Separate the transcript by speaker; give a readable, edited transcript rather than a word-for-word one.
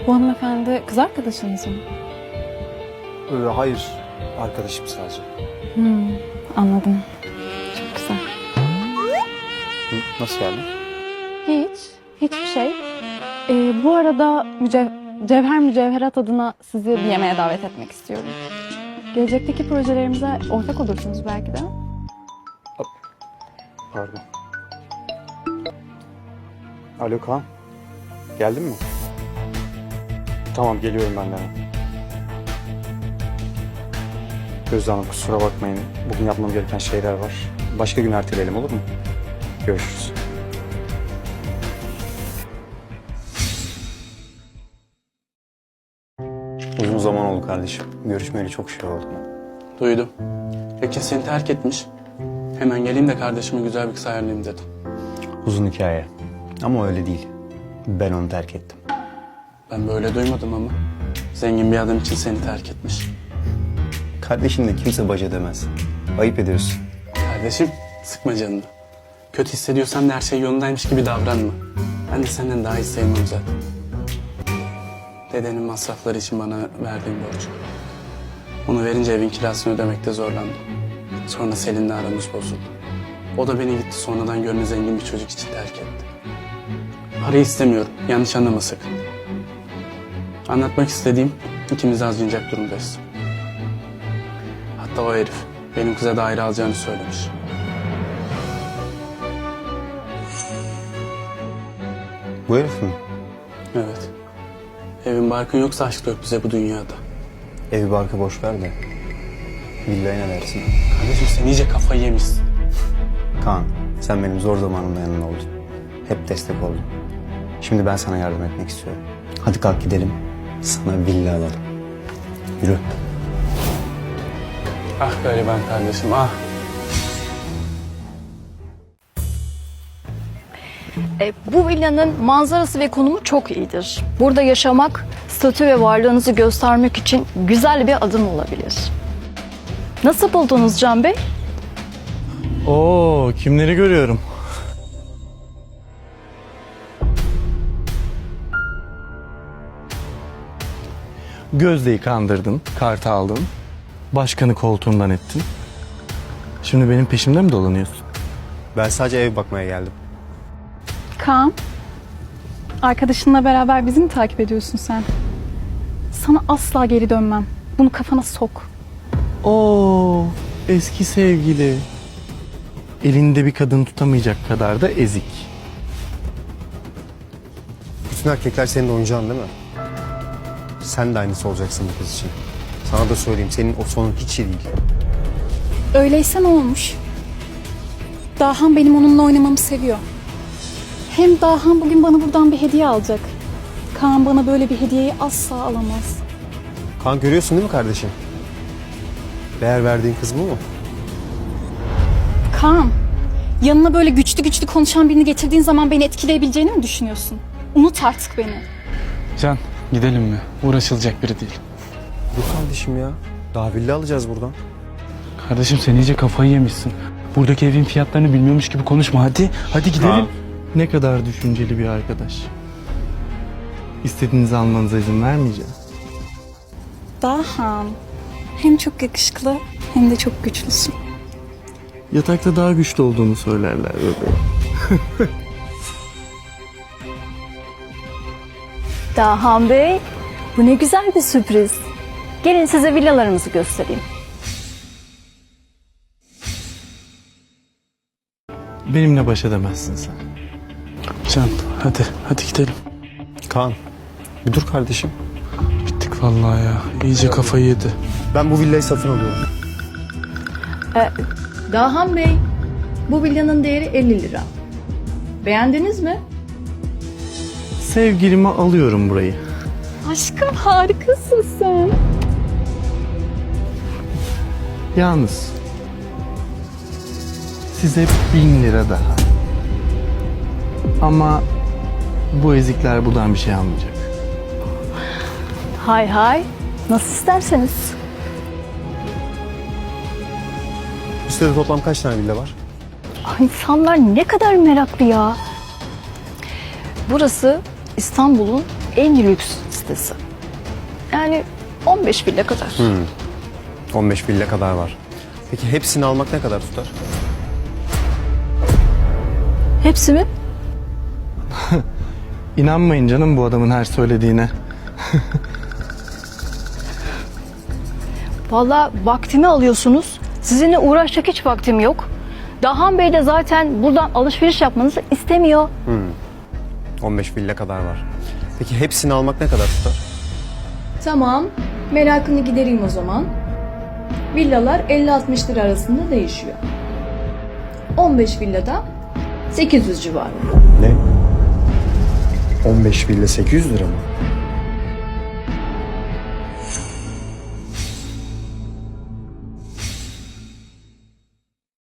Speaker 1: Bu hanımefendi kız arkadaşınız mı?
Speaker 2: Hayır, arkadaşım sadece.
Speaker 1: Anladım. Çok güzel.
Speaker 2: Nasıl yani?
Speaker 1: Hiçbir şey. Bu arada Cevher Mücevherat adına sizi bir yemeğe davet etmek istiyorum. Gelecekteki projelerimize ortak olursunuz belki de.
Speaker 2: Pardon. Alo Kaan. Geldin mi? Tamam, geliyorum ben de. Gözde Hanım, kusura bakmayın. Bugün yapmam gereken şeyler var. Başka gün erteleyelim, olur mu? Görüşürüz. Uzun zaman oldu kardeşim. Görüşmeyeli çok şey oldu.
Speaker 3: Duydum. Ekin seni terk etmiş. Hemen geleyim de kardeşime güzel bir kız ayarlayayım dedim.
Speaker 2: Uzun hikaye. Ama öyle değil. Ben onu terk ettim.
Speaker 3: Ben böyle duymadım ama. Zengin bir adam için seni terk etmiş.
Speaker 2: Kardeşinle kimse baş edemez. Ayıp ediyorsun.
Speaker 3: Kardeşim sıkma canını. Kötü hissediyorsan da her şey yolundaymış gibi davranma. Ben de senden daha iyi sevmem zaten. Dedenin masrafları için bana verdiğin borç. Onu verince evin kirasını ödemekte zorlandım. Sonra Selin'le aramız bozuldu. O da beni gitti sonradan gönlü zengin bir çocuk için terk etti. Parayı istemiyorum. Yanlış anlama sakın. Anlatmak istediğim ikimiz de acınacak durumdayız. Hatta o herif benim kıza daire alacağını söylemiş.
Speaker 2: Bu herif mi?
Speaker 3: Evet. Evin barkın yoksa aşk yok bize bu dünyada.
Speaker 2: Evi barkı boş ver de. Villaya ne dersin?
Speaker 3: Kardeşim sen iyice kafayı yemişsin.
Speaker 2: Kaan, sen benim zor zamanımda yanımda oldun. Hep destek oldun. Şimdi ben sana yardım etmek istiyorum. Hadi kalk gidelim. Sana villa alalım. Yürü.
Speaker 3: Ah gariban kardeşim ah.
Speaker 4: Bu villanın manzarası ve konumu çok iyidir. Burada yaşamak, statü ve varlığınızı göstermek için güzel bir adım olabilir. Nasıl buldunuz Can Bey?
Speaker 5: Oo, kimleri görüyorum? Gözde'yi kandırdın, kartı aldın. Başkanı koltuğundan ettin. Şimdi benim peşimde mi dolanıyorsun?
Speaker 2: Ben sadece ev bakmaya geldim.
Speaker 1: Kaan, arkadaşınla beraber bizi mi takip ediyorsun sen? Sana asla geri dönmem. Bunu kafana sok.
Speaker 5: Oo, eski sevgili. Elinde bir kadın tutamayacak kadar da ezik.
Speaker 2: Bütün erkekler senin oyuncağın değil mi? Sen de aynısı olacaksın bu kız için. Sana da söyleyeyim, senin o sonun hiç iyi değil.
Speaker 1: Öyleyse ne olmuş? Dahan benim onunla oynamamı seviyor. Hem Dahan bugün bana buradan bir hediye alacak. Kaan bana böyle bir hediyeyi asla alamaz.
Speaker 2: Kaan, görüyorsun değil mi kardeşim? Değer verdiğin kız bu mu?
Speaker 1: Kaan, yanına böyle güçlü konuşan birini getirdiğin zaman beni etkileyebileceğini mi düşünüyorsun? Unut artık beni.
Speaker 3: Can gidelim mi? Uğraşılacak biri değil.
Speaker 2: Dur kardeşim ya. Daha villa alacağız buradan.
Speaker 3: Kardeşim sen iyice kafayı yemişsin. Buradaki evin fiyatlarını bilmiyormuş gibi konuşma hadi. Hadi gidelim.
Speaker 5: Kaan, ne kadar düşünceli bir arkadaş. İstediğinizi almanıza izin vermeyeceğim.
Speaker 1: Dahan, hem çok yakışıklı hem de çok güçlüsün.
Speaker 5: Yatakta daha güçlü olduğunu söylerler bebeğim.
Speaker 4: Dahan Bey, bu ne güzel bir sürpriz. Gelin size villalarımızı göstereyim.
Speaker 5: Benimle baş edemezsin sen.
Speaker 3: Can hadi gidelim.
Speaker 2: Kaan, bir dur kardeşim.
Speaker 3: Bittik vallahi ya. İyice kafayı yedi.
Speaker 2: Ben bu villayı satın alıyorum.
Speaker 4: Dahan Bey, bu villanın değeri 50 lira. Beğendiniz mi?
Speaker 5: Sevgilime alıyorum burayı.
Speaker 1: Aşkım harikasın sen.
Speaker 5: Yalnız size 1000 lira daha. Ama bu ezikler buradan bir şey almayacak.
Speaker 4: Hay hay, nasıl isterseniz.
Speaker 2: Bu sitede toplam kaç tane villa var?
Speaker 4: İnsanlar ne kadar meraklı ya. Burası İstanbul'un en lüks sitesi. Yani 15 villa kadar.
Speaker 2: 15 villa kadar var. Peki hepsini almak ne kadar tutar?
Speaker 4: Hepsi mi?
Speaker 5: İnanmayın canım bu adamın her söylediğine.
Speaker 4: Vallahi vaktimi alıyorsunuz. Sizinle uğraşacak hiç vaktim yok. Dahan Bey de zaten buradan alışveriş yapmanızı istemiyor.
Speaker 2: 15 villa kadar var. Peki hepsini almak ne kadar tutar?
Speaker 6: Tamam, merakını gidereyim o zaman. Villalar 50-60 lira arasında değişiyor. 15 villada 800 civarı.
Speaker 2: Ne? 15 villa 800 lira mı?